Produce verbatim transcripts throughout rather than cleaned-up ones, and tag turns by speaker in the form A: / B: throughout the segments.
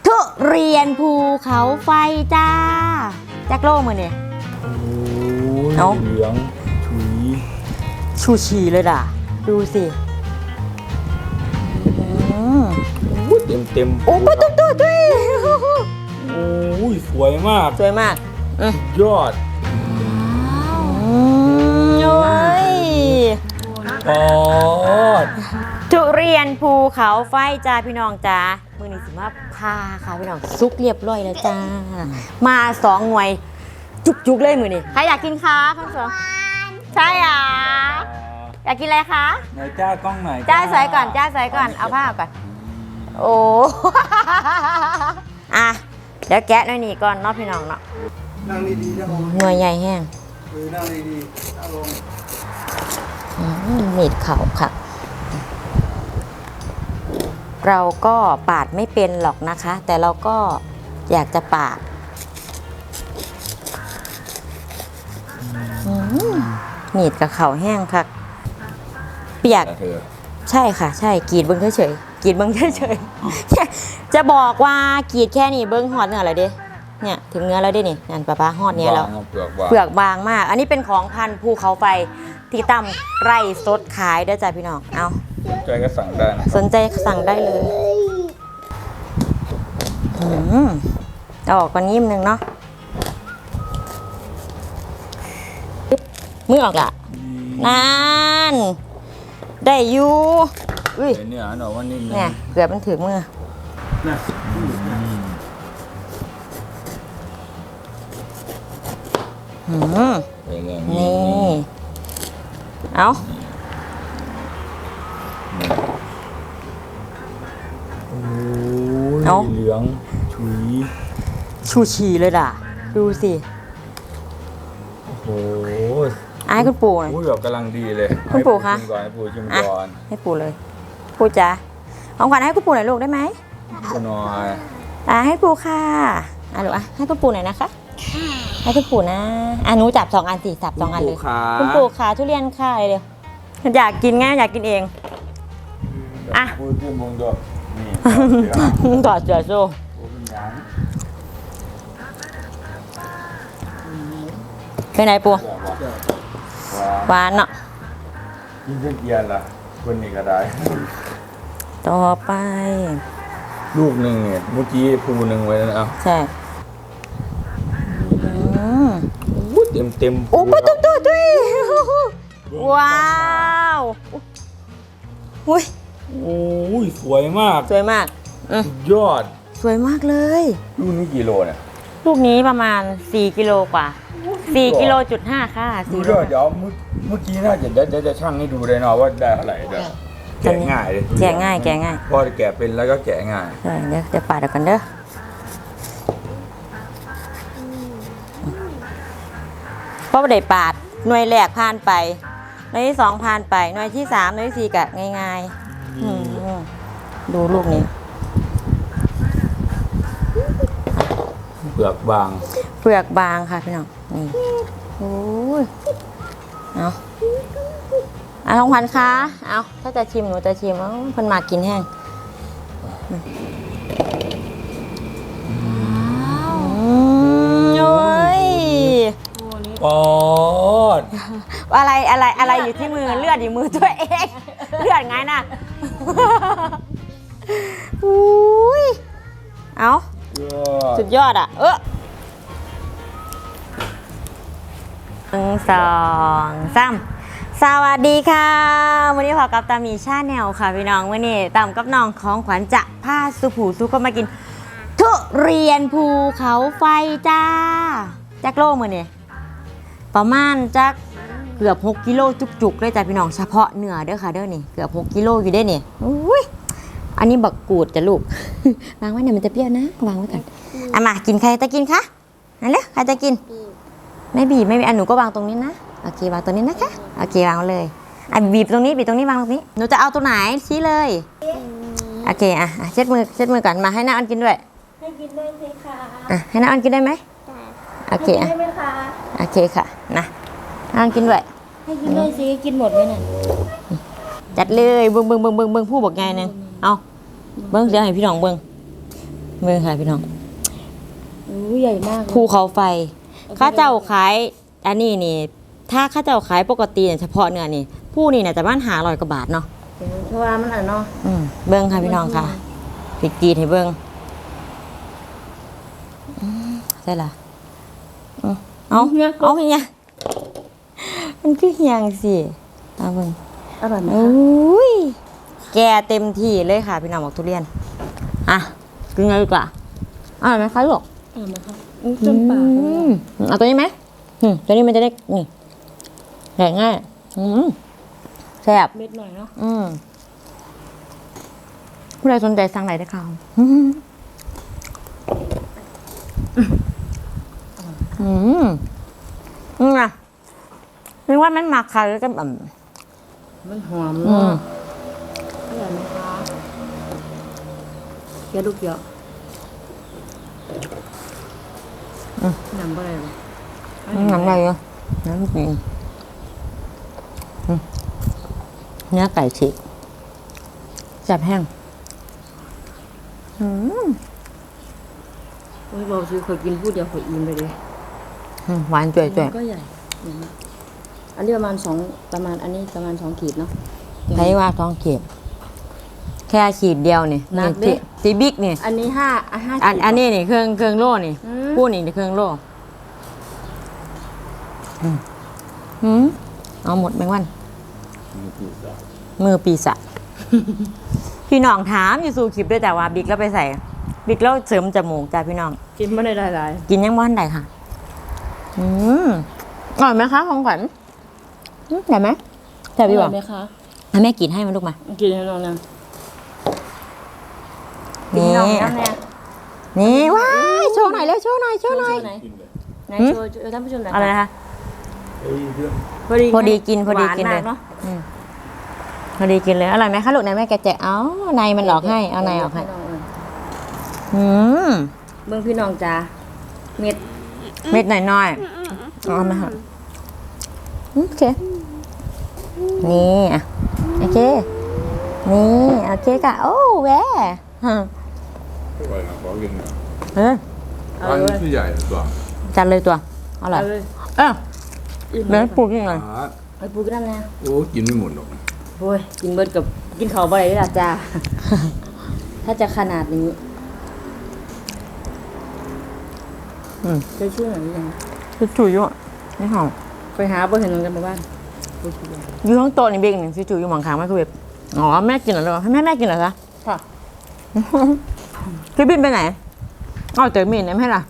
A: ทุเรียนภูเขาไฟจ้าแจ็คโล่มือเนี่ยเอ้า
B: เหลืองฉุย
A: ชูชีเลยด่ะดูสิ
B: เต็มเต็ม
A: โอ้ปตุ๊ดตุ๊ดด้วย
B: โอ้ยสวยมาก
A: สวยมาก
B: ยอด
A: โอ้ย
B: ปอด
A: ทุเรียนภูเขาไฟจ้าพี่น้องจ้ามือนี้สิมาพาค่ะพี่น้องซุกเรียบร้อยแล้วจ้ามาสองหน่วยจุกๆเลยมือนี้ใครอยากกินคะข้าวสองใช่อ่ะอยากกินอะไรคะ
B: ไหนจ้ากล้องไหน
A: จ้าใส่ก่อนจ้าใส่ก่อนเอาผ้าก่อนโอ้อะเดี๋ยวแกะหน่อยนี่ก่อนเนาะพี่น้องเนาะ
B: นั่งดีๆนะผม
A: หน่วยใหญ่แห้ง
B: เออนั่งดีๆนั่งลง
A: มีดเข่าค่ะเราก็ปาดไม่เป็นหรอกนะคะแต่เราก็อยากจะปาดมีดกับเข่าแห้งค่ะเปียกใช่ค่ะใช่กรีดเบิ้งเฉยๆกรีดเบิ้งเฉยๆจะบอกว่ากรีดแค่นี้เบิ้งหอดเนื้ออะไรเด้เนี่ยถึงเนื้อแล้วด้นี่นั่นป้าป้าหอดเนี้ยแล้วเปลือกบางมากอันนี้เป็นของพันธุ์ภูเขาไฟที่ตำไร่สดขายได้จ้ะพี่น้องเอา
B: สนใจก็สั่งได้นะ
A: สนใจสั่งได้เลยอืมเอาออกก่อนยิ้มหนึ่งเนาะมือออกละนั่นได้อยู่อุ้ย
B: เนี่ยหน่อยว่านี่
A: เนี่ยเกือบมันถึงมืออืมนี่เอา
B: เอาเหลืองฉุย
A: ชูชีเลยด่ะดูสิ
B: โอ้โห
A: ไอ้คุณปู่หน่อย
B: พูดแบบกำลังดีเลย
A: คุณปู่คะ
B: ให้ปู่ชิมก่อน
A: ให้ปู่เลยปู่จ๋าของขวัญให้คุณปู่หน่อยลูกได้ไหม
B: ก็น้อย
A: อ่ะให้ปู่ค่ะอ่ะลูกอ่ะให้คุณปู่หน่อยนะคะให้คุณปู่นะอ่ะหนูจับสองอันสิจับสองอันเลยคุณปู่ขาทุเรียนค่ะเร็วอยากกินไงอยากกินเองอ่ะ
B: พูดที่มงดอก
A: นี่ต่อเสือโซ่เป็นไงปู่หวานเนาะ
B: ยิ่งเกียนล่ะคนนี้ก็ได้
A: ต่อไป
B: ลูกหนึ่งเนี่ยเมื่อกี้ภูหนึ่งไว้แล้วเอา
A: ใช่
B: เต็มเต็ม
A: โอ้ปตุ๊ดตุ๊ดด้วยว้าวอุ้ย
B: โอ้ยสวยมาก
A: สวยมาก
B: ยอด
A: สวยมากเลย
B: ลูกนี้กี่โลเนี่ย
A: ลูกนี้ประมาณสี่กิโลกว่าสี่กิโลจุดห้าค่ะ
B: สี่โลเดี๋ยวเมื่อกี้น่าจะเดี๋ยวจะช่างให้ดูเลยเนาะว่าได้เท่าไหร่เดี๋ยวแกะง่ายเลย
A: แกะง่ายแกะง่าย
B: พอแกะเป็นแล้วก็แกะง่าย
A: เดี๋ยวจะปาดกันเด้อเพราะว่าได้ปาดหน่วยแรกผ่านไปหน่วยที่สองผ่านไปหน่วยที่สามหน่วยที่สี่กะง่ายๆดูลูกนี้
B: เปลือกบาง
A: เปลือกบางค่ะพี่น้องนี่โอ้ยเอาเอาทองพันคะเอาถ้าจะชิมหนูจะชิมเอาเพิ่นมากินแห้งโอ้ย
B: ปอด
A: อะไรอะไรอะไรอยู่ที่มือเลือดอยู่มือตัวเองเลือดไงน่ะอุ้ยเอาสุดยอดอ่ะเออหนึ่งสองสามสวัสดีค่ะวันนี้พอกับตามีชาแนลค่ะพี่น้องวันนี้ตามกับน้องของขวัญจะพาสุผูสุก็มากินทุเรียนภูเขาไฟจ้าแจ็คโล่มือเนี่ยประมาณจักเกือบหกกิโลจุกๆเลยจ้ะพี่น้องเฉพาะเนื้อเด้อค่ะเด้อนี่เกือบหกกิโลอยู่ได้เนี่ยอุ้ยอันนี้บักกูดจ้ะลูกวางไว้เนี่ยมันจะเปรี้ยวนะวางไว้ก่อนอ่ะมากินใครจะกินคะนั่นเลยใครจะกินไม่บีบไม่บีบอันหนูก็วางตรงนี้นะโอเควางตรงนี้นะคะโอเควางเลยอ่ะบีบตรงนี้บีบตรงนี้วางตรงนี้หนูจะเอาตัวไหนชี้เลยโอเคอ่ะเช็ดมือเช็ดมือก่อนมาให้น้าอันกินด้วย
C: ให้กินได้ไหมคะ
A: อ่ะให้น้าอันกินได้ไหมโอเคอ่ะโอเคค่ะนะน้าอันกินด้วย
C: ให้กินด้วยสิกินหมดไหมเนี่ย
A: จัดเลยเบิ้งเบิ้งเบิ้งเบิ้งเบิ้งผู้บอกไงเนี่ยเอาเบิ้งเดี๋ยวให้พี่น้องเบิ้งเมืองค่ะพี่น้อง
C: อู้ใหญ่มากเลย
A: ภูเขาไฟข้าเจ้าขายอันนี้นี่ ถ้าข้าเจ้าขายปกติเนี่ยเฉพาะเนื้อนี่ผู้นี่เนี่ยจะบ้านหาร้อยกว่าบาทเนาะ
C: เพราะว่ามันอ่ะเนาะ
A: อืมเบิ้งค่ะพี่น้องค่ะพริกจีนให้เบิ้งอืมใช่ละอืมเอาเอาเฮียมันคือเฮียงสิเอาเบิ้ง
C: อร่อยไหม
A: โอ
C: คะ
A: ้ยแกเต็มที่เลยค่ะพี่น้องบอกทุเรียนอ่ะกินเลยดีกว่าอร่อยไหมคะลูก
C: อร่อยไหมคะอู้จนปาก
A: อืมเอาตัวนี้ไหมอืมตัวนี้มันจะได้นี่แหงง่ายอืมแซ่บ
C: เม็ดหน่อยเนาะ
A: อืมผู้ใดสนใจสั่งไหนได้ค่ะอืมอืมอืมนะนึกว่ามันหมักค่ะแล้วก็แบบ
C: มันหอม
A: อืม
C: เนาะอร่อยไหมคะเคี้ยวลูกเยอะน้ำอะไรหรอ
A: น้ำอะไรอ่ะน้ำจริงอืมเนื้อไก่ฉีกแซ่บแห้งอืม
C: โอ้ยบอกซื้อเคยกินพูดเดียวเคยอิ่มไปเลย
A: อืมหวานจ่วยจ่วย
C: ก็ใหญ่อืมอันนี้ประมาณสองประมาณอันนี้ประมาณสองขีดเนาะ
A: ใช้ว่าท้องเก็บแค่ขีดเดียวนี่
C: หนักดิ
A: นี่ตีบิ๊กนี่
C: อันนี้ห้าอ่ะห้า
A: อัน
C: ขีด
A: อันนี้นี่เครื่องเครื่องโล่นี่
C: อืม
A: พูดนี่เครื่องโล่อืมอืมเอาหมดแมงวัน มือปีศาจ พี่น้องถามอยู่สู่คลิปด้วยแต่ว่าบิ๊กแล้วไปใส่ บิ๊กแล้วเสริมจมูกจ้าพี่น้อง
C: กินไม่ได้หลาย
A: กินยังบ้านใดค่ะ อืมอร่อยไหมคะของขวัญอืมได้ไหม
C: ๆ
A: แต่พี่บ
C: ร่
A: อย ก
C: ไหมคะ
A: ให้แม่กินให้มันลูกมา
C: กินให้น้องนะ
A: นี่
C: น้องน้ำเนี่ย
A: นี่ว้ายโชว์หน่อยเร็วโชว์หน่อยโชว์หน่อย
C: ไหนไหน
A: หืม
C: โชว์โชว์ท่านผู้ชมหน่อย
A: อะไรนะคะ
C: พอดี
A: พอดีกินพอดีกินเลย
C: หวามาเนาะ
A: อืมพอดีกินเลยอร่อยไหมคะลูกไหนแม่แกะแจะเอาในมันหลอกให้เอาในออกให้
C: น้งเออ
A: อืม
C: เบื้องพี่น้องจ้าเม็ด
A: เม็ดหน่อยๆเอามาค่ะโอเค นี่อ่ะโอเค นี่โอเคค่ะ โอ้แหวฮะ
B: อร่อยนะขอกินหน่อย
A: เออ
C: เอา
B: ร้าน
C: เลย
B: ที่ใหญ่ตัว
A: จัดเลยตัวอร่อย
C: เอาเลย
A: เออ
C: อิ่ม
A: เดี๋ยวให้ปูกินหน่อย
B: อ่า
C: ไอ้ปูก็ได้นะ
B: โอ้กินไม่หมดหรอก
C: โอ้ยกินเบิดกับกินข้าวบ่ได้ด้วยล่ะจ้า ถ้าจะขนาดนี้
A: อืม
C: จะชื่อหน่อยหรือยัง
A: คือจุ๋ยอยู่อ่ะนี่หอม
C: ไปหาบ่เห็นน้องกันไปบ้านไปกินเลย
A: อยู่ข้างโต๊ะนี่เบงหนึ่งคือจุ๋ยอยู่หมองขางไมโครเวฟอ๋อแม่กินเหรอให้แม่แม่กินเหรอคะ
C: ค่ะ
A: พี่บินไปไหนเอาเจอมีนได้ไหมล่ะ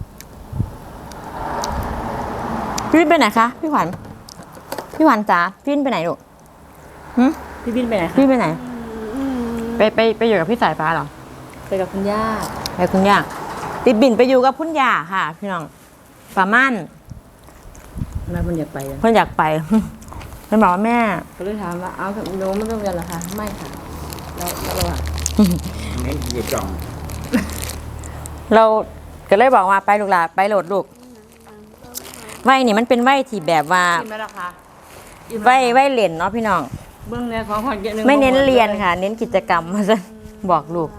A: พี่บินไปไหนคะพี่ขวัญพี่ขวัญจ๋าพี่บินไปไหนลูกหึ
C: พี่บินไปไหนคะ
A: พี่ไปไหน ไปไปไปอยู่กับพี่สายฟ้าเหรอ
C: ไปกับคุณย่า
A: ไปคุณย่าติดบินไปอยู่กับคุณย่าค่ะ พี่น้องป่ามั่น
C: แม่เพิ่นอยากไปอะ
A: เพื่อนอยากไป เพื่อนบอกว่าแม่
C: ก็เลยถามว่าเอาหนูไม่ต้องเรียนเหรอคะไม่ค่ะแล้วแล้วเราอะ
B: งั้นคือจัง
A: เราก็เลยบอกว่าไปลูกหลานไปโหลดลูกไหวนี่มันเป็นไหวที่แบบว่า
C: กินไหมล่ะคะ
A: ไหวไหวเล่นเนาะพี่น้อง
C: เบื้องในของขวัญเยอะหนึง
A: ไม่เน้นเรียนค่ะ เน้นกิจกรรมมาซะบอกลูก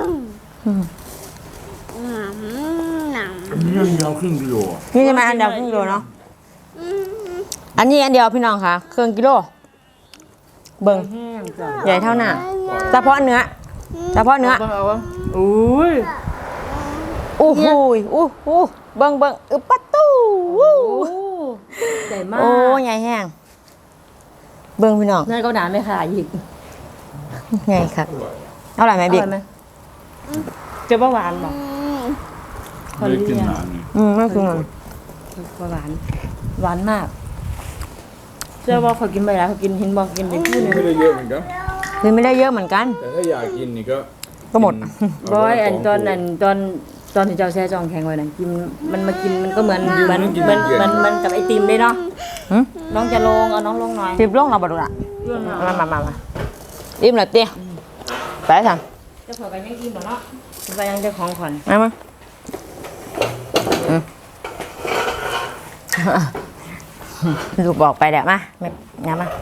B: อันนี้ยังยาวครึ่งกิโลอ่ะ
A: นี่จะมาอันเดียวครึ่งกิโลเนาะอันนี้อันเดียวพี่น้องค่ะครึ่งกิโลเบิ่ง
C: แห้งจ้ะ
A: ใหญ่เท่าหน้าเฉพาะเนื้อเฉพาะเนื้อ
C: เบิ่งเอาวะอุ้ย
A: อู้หูยอู้หูเบิ่งเบิ่งอึปะตู้วู้
C: โอ้ใหญ่มาก
A: โอ้ใหญ่แห้งเบิ่งพี่น้อง
C: นั่นก็หนาไม่ขาดอีก
A: ใหญ่ครับ
B: อร่อย
A: อร่อยไหม
C: อ
A: บิ๊ก
C: ร่อยไหมจะว่าหวานบ่
B: ไม่ได้กินนานนี่
A: อืมไม่คือมัน
C: ว่าหวาน หวานมากเชื่อว่าเขากินไปแล้วเขากินเห็นบอกกินเป็นคู่หนึง
B: ไม่ได้เยอะเหมือนกัน
A: คือไม่ได้เยอะเหมือนกัน
B: แต่ถ้าอยากกินนี่ก็
A: ก็หมด
C: บอยอันตอนนั้นตอนตอนที่เจ้าแช่จองแข็งไว้นั่นกินมันมากินมันก็เหมือนเหมือนเหมือนเหมือนเหมันกับไอติมเลยเนาะ
A: หึ
C: น้องจะลงเอาน้องลงหน่อย
A: สิบลงเราบดุละ
C: เรื่อง
A: มามามามาอิ่มแล้วเตี้ยไปสั่ง
C: เจ้าของกันยังกินบ่เนาะไปยังเจ้าของขวัญ
A: มามาอืมลูกบอกไปเดี๋ยวมาแม่งั้นมา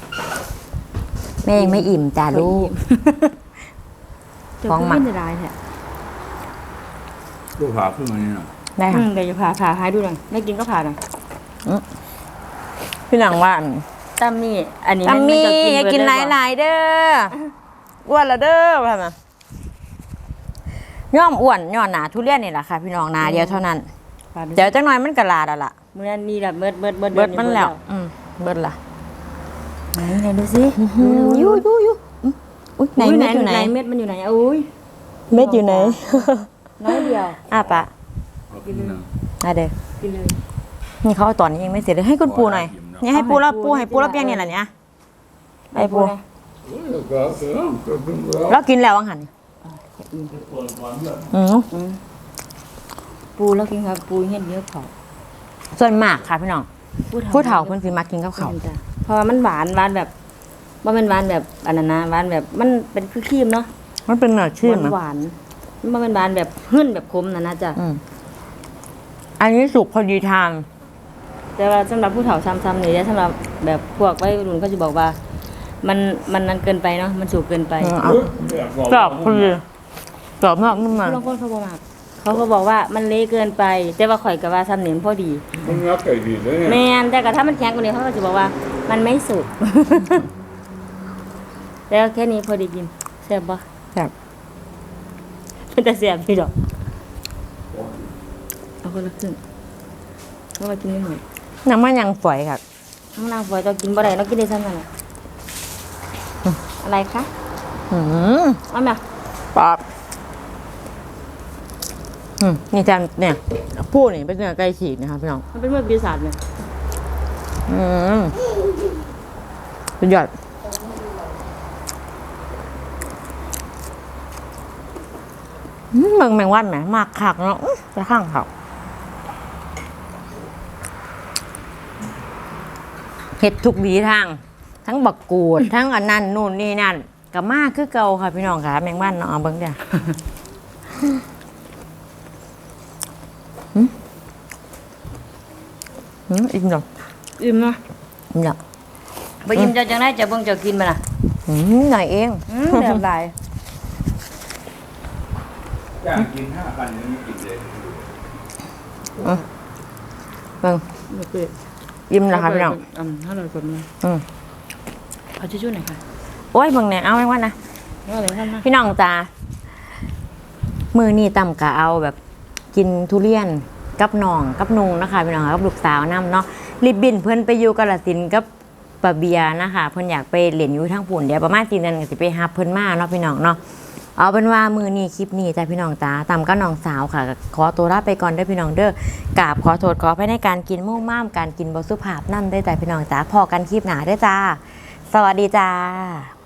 A: แม่ยังไม่อิ่มจ้าลูก
C: เจ้า
A: ของ
C: ของ
A: หมั
C: มั
A: ก
C: นจะได้แท้
B: ตัวผ่าขึ้นมานี่น่ะ
A: ได้
C: อื
A: ค่ะ
C: มเดี๋ยวจะผ่าผ่าให้ดูหน่อยไม่กินก็ผ่าหน่อย
A: พี่น้องว่า
C: ตั้มนี่อันนี้
A: ตัมมี่
C: จะ
A: อย่ากินห
C: เบิด
A: ลายๆเด้ออ้วนละเด้อว่ามาย่อมอ้วนย่อนหนาทุเรียนนี่แหละค่ะ พี่น้องหนาเดียวเท่านั้น
C: ผ่าดู
A: เดี๋ยวจังหน่อยมันกระลาดแล้วล่ะ
C: มื้อนั้นนี่แหละเบิดเบิดเบิด
A: เบิดมันแล้วอืมเบิดละ
C: ไหนไหนดูสิ
A: ยูยูยูอืมอุ้ยไหนเม็ดอยู่ไหน
C: เม็ดมันอยู่ไหนอุ้ย
A: เม็ดอยู่ไหน
C: น้อยเดียว
A: อ่ะปะ
B: เอาขึ้นมา
A: อ่ะเด้อ
C: กินเลย
A: นี่เขาเอาตอนนี้ยังไม่เสร็จเลยให้คุณปูหน่อยเนี่ยให้ปูแล้วปูให้ปูแล้วเปียงเนี่ยแหละเนี่ยไอ้ปู
B: เออก็เออก็เพิ่งแล้ว
A: แล้วกินแล้ววังหันอืม
C: ปูแล้วกินครับปูเห็นเยอะเผา
A: ส่วนมากค่ะพี่น้องผู้เฒ่าคนสิมากินกับเขาว
C: จ้ะเพราะว่ามันหวานหวานแบบว่ามันหวานแบบอันนั้นนะหวานแบบมันเป็นคือครีมเนาะ
A: มันเป็นเนื้อชื่นนะ
C: หวานๆมันบ่แมันหวานแบบหึ่นแบบคมนะนะจ๊ะ
A: อืมอันนี้สุกพอดีทาน
C: แต่ว่าสำหรับผู้เฒ่าซ้ำๆนี่สำหรับแบบพวกวัยรุ่นเขาจะบอกว่า มันมันนั้นเกินไปเนาะมันสุกเกินไป
A: อืมเอากรอบพอดีกรอบมากนุ่มมาก
C: บางคนเขาบอกว่าเขาก็บอกว่ามันเละเกินไป แต่ว่าข่อยกับว่าซ้ำนี่มันพอดี
B: มึงรักไก่ดีเลย
C: แม
B: เนี่ย
C: นแต่ก็ถ้ามันแข็งกว่านี้เขาก็จะบอกว่า มันไม่สุก แล้วแค่นี้พอดีกินแซ่บปะ
A: แบบ
C: เป็นแต่แซ่บพี่ดอกเอาคนละครึ่งเพราะว่ากินไม่หมด
A: น้ำมันยังฝอยค่ะ
C: น้องนางฝอยจะกินบ่ได้เรากินได้ซ้ำนั่นแหละอะไรคะ
A: อืม
C: เอาไหม
A: ปอบอืมนี่จานเนี่ยพูดนี่เป็นเนื้อไก่ฉีกนะคะพี่น้อง
C: มันเป็นเมื่อปีศาจเลย
A: อืมสุดยอดอืมเมืองแมงวันไหมมากคักเนาะอื้อจะข้างเขาเห็ดทุกวีทาง ทั้งบักกูด ทั้งอันนั้นนู่นนี่นั่นกับมากคือเก่าค่ะพี่น้องค่ะแมงวันเนาะเอาเบิ้งเดียวอืมอืมอิ่มเนาะ
C: อิ่มนะ
A: อิ่มเนาะ
C: บ่อิ่มจะจังได้จะเบิ่งจะกินมันน่ะ
A: อืมหน่อยเอง
C: อืมแบบหลาย
B: อยากกินห้าพันยังไม่กินเลย
A: เบิ่ง
C: บ่เปิด
A: อิ่มนะคะพี่น้อง
C: อืมถ้าเรากดมือ
A: อืม
C: เอาชิชชู่หน่อยค่ะ
A: โอ้ยเบิ่งเนี่ยเอาแมงวันนะ
C: เอาอะไรท่านมา
A: พี่น้องจ้ามือนี่ต่ำกะเอาแบบกินทุเรียนกับน้องกับนุงนะคะพี่น้องกับลูกสาวน้ำเนาะรีบบินเพื่อนไปอยู่กาฬสินธุ์กับปะเบียนะคะเพื่อนอยากไปเรียนอยู่ทั้งปุ่นเดี๋ยวประมาณสี่เดือนก็สิไปหาเพื่อนมาเนาะพี่น้องเนาะเอาเป็นว่ามือนี้คลิปนี้จ้าพี่น้องจ้าต่ำก็น้องสาวค่ะ ขอตัวลาไปก่อนเด้อพี่น้องเด้อกราบขอโทษขออภัยในการกินมุ่งม่ามการกินบสุภาพนั่นได้อจ้าพี่น้องจ้าพอกันคลิปหนาได้อจ้า สวัสดีจ้า